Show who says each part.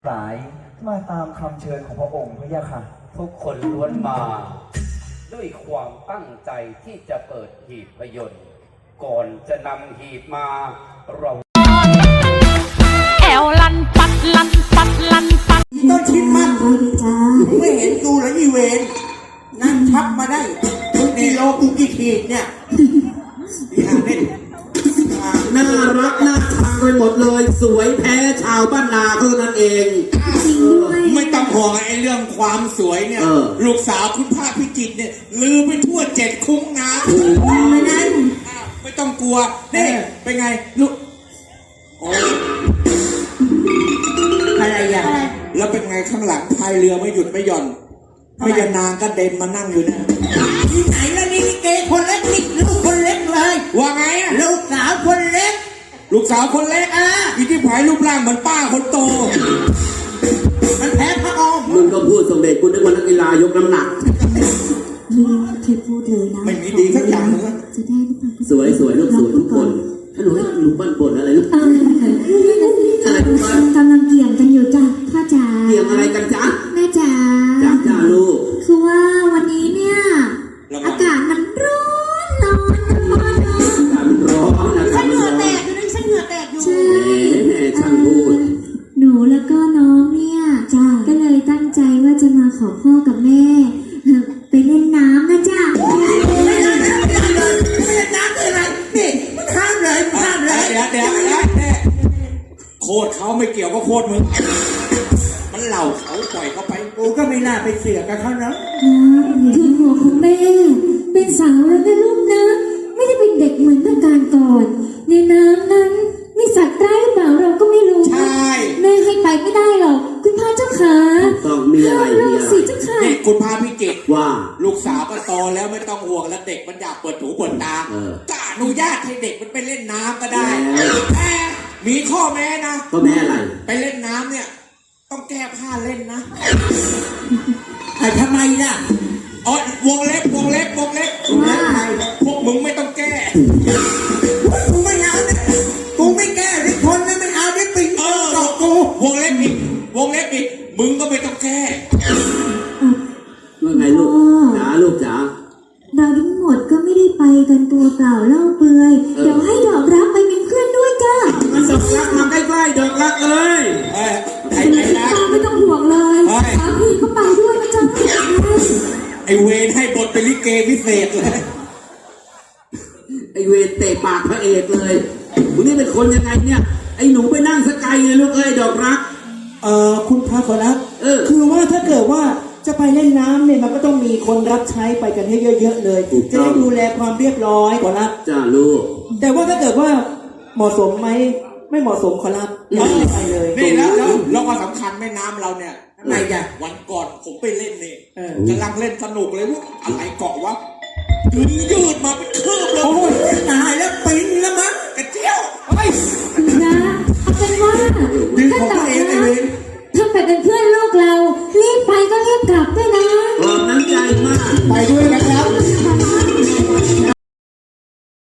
Speaker 1: หลายมาตามคำเชิญของพระองค์พระยาค่ะ
Speaker 2: ทุกคนล้วนมาด้วยความตั้งใจที่จะเปิดหีบพยนต์ก่อนจะนำหีบมาเรา
Speaker 3: แอวลันปัดลันปัดลันปัด
Speaker 4: ต้นชิดมันไม่เห็นกูแล้วอีเวนนั่งทับมาได้ทุกกิโลกูกี่ขีดเนี่ย
Speaker 5: น่ารักน่าชังไปหมดเลยสวยแพ้ชาวบ้านนาเท่านั้นเอง
Speaker 4: ไม่ต้องห่วงไอ้เรื่องความสวยเนี่ยลูกสาวคุณพระพิจิตรเนี่ยลือไปทั่ว7 คุ้งนะไม่นั้นไม่ต้องกลัวนี่เป็นไงลูกอะไรอย่างแล้วเป็นไงข้างหลังพายเรือไม่หยุดไม่หย่อนไม่ยานางก็เด่นมานั่งอยู่นะที่ไหนแล้วนี่ลิเกคนเล็กนี่ลูกคนเล็กเลยว่าไงลูกสาวคนเล็กลูกสาวคนเล็กอีที่ผายรูปร่างเหมือนป้าคนโตมันแพ้พระองค์
Speaker 5: มึงก็พูดสมเด็จกูนึกว่านักกีฬายกน้ำหนัก
Speaker 6: ไม่เคยพูดเลยนะ
Speaker 4: ไม่มีดีสักอย่างเลย
Speaker 6: จะได้หรือเปล่า
Speaker 5: สวยสวยลูกสวยทุกคนถ้าหนูให้หนูบ้านบนอะไรลูก
Speaker 6: อะไรกำลังเกี่ยงกันอยู่จ้ะพ่อจ๋า
Speaker 5: เกี่ยงอะไรกันจ๊ะ
Speaker 6: แม่จ๋า
Speaker 5: จ้าลูก
Speaker 6: คือว่าวันนี้เนี่ยอากาศมันร้อนอากาศมันร้อน
Speaker 5: ฉันเหงื่อแตก
Speaker 6: อยู่ฉันเหงื่อแตกอยู่ใช่ช่างพูดหนูแล้วก็น้องเนี่ยจ้าก็เลยตั้งใจว่าจะมาขอพ่อกับแม่ไปเล่นน้ำนะจ้า
Speaker 4: ไม่เล่นน้ำคืออะไรนี่มันห้ามเลยเดี๋ยวโคตรเขาไม่เกี่ยวก็โคตรมึงมันเหล่าเขาปล่อยเขาไปกูก็ไม่น่าไปเสือกกับเขานะ
Speaker 6: คือหัวของแม่เป็นสาวแล้วนะลูกนะไม่ได้เป็นเด็กเหมือนเมื่อการก่อนในน้ำนั้นมีสัตว์ร้ายหรือเปล่าเราก็ไม่รู้
Speaker 4: ใช่
Speaker 6: แม่ให้ไปไม่ได้หรอกคุณพ่อเจ้าขา
Speaker 5: ต้องมีอะไร
Speaker 6: สิเจ้าค่ะ
Speaker 4: นี่คุณพาพิจิตร
Speaker 5: ว่า
Speaker 4: ลูกสาวก็โตแล้วไม่ต้องห่วงแล้วเด็กมันอยากเปิดหูเปิดตาก็อนุญาตให้เด็กมันไปเล่นน้ำก็ได้แต่มีข้อแม้นะ
Speaker 5: ข้อแม้อะไร
Speaker 4: ไปเล่นน้ำเนี่ยต้องแก้ผ้าเล่นนะทำไมล่ะอ๋อวงเล็บพวกมึงไม่ต้องแก้กูไม่เอาเนี่ยกูไม่แก้ที่คนนั้นไม่เอาที่ปิงตอกกูวงเล็บอีกมึงก็ไม่ต้องแก้
Speaker 5: ว่าไงลูกจ๋าลูกจ๋า
Speaker 6: เราทั้งหมดก็ไม่ได้ไปกันตัวเปล่าเล่าเปลือยเดี๋ยวให้ดอกรักไปเป็นเพื่อนด้วยจ้า
Speaker 5: มันดอกรักมาใกล้ๆดอกรักเอ้ย
Speaker 4: ไอ้รัก
Speaker 6: ไม่ต้องห่วงเลยพี่ก็ไปด้วยนะจ๊ะ
Speaker 4: ไอ้เวรให้บทเป็นลิเกพิเศษเลย
Speaker 5: ไอ้เวรเตะปากพระเอกเลยมึงนี่เป็นคนยังไงเนี่ยไอ้หนูไปนั่งสกายเลยลูกเอ้ยดอกรัก
Speaker 1: คุณพระขอรับคือว่าถ้าเกิดว่าจะไปเล่นน้ำเนี่ยมันก็ต้องมีคนรับใช้ไปกันให้เยอะๆเลยจะได้ดูแลความเรียบร้อยขอรับ
Speaker 5: จ้าลูก
Speaker 1: แต่ว่าถ้าเกิดว่าเหมาะสมไหมไม่เหมาะสมขอรับไม่ไปเลย
Speaker 4: นี่แล้วก็สำคัญแม่น้ำเราเนี่ยอะไรกันวันก่อนผมไปเล่นนี่กำลังเล่นสนุกเลยว่าอะไรเกาะวะยืดมาเป็นคืบเลยโอ้ยตายแล้วปิ้นแล้วมั้งกระเจียว
Speaker 6: นะเอาเป็นว่า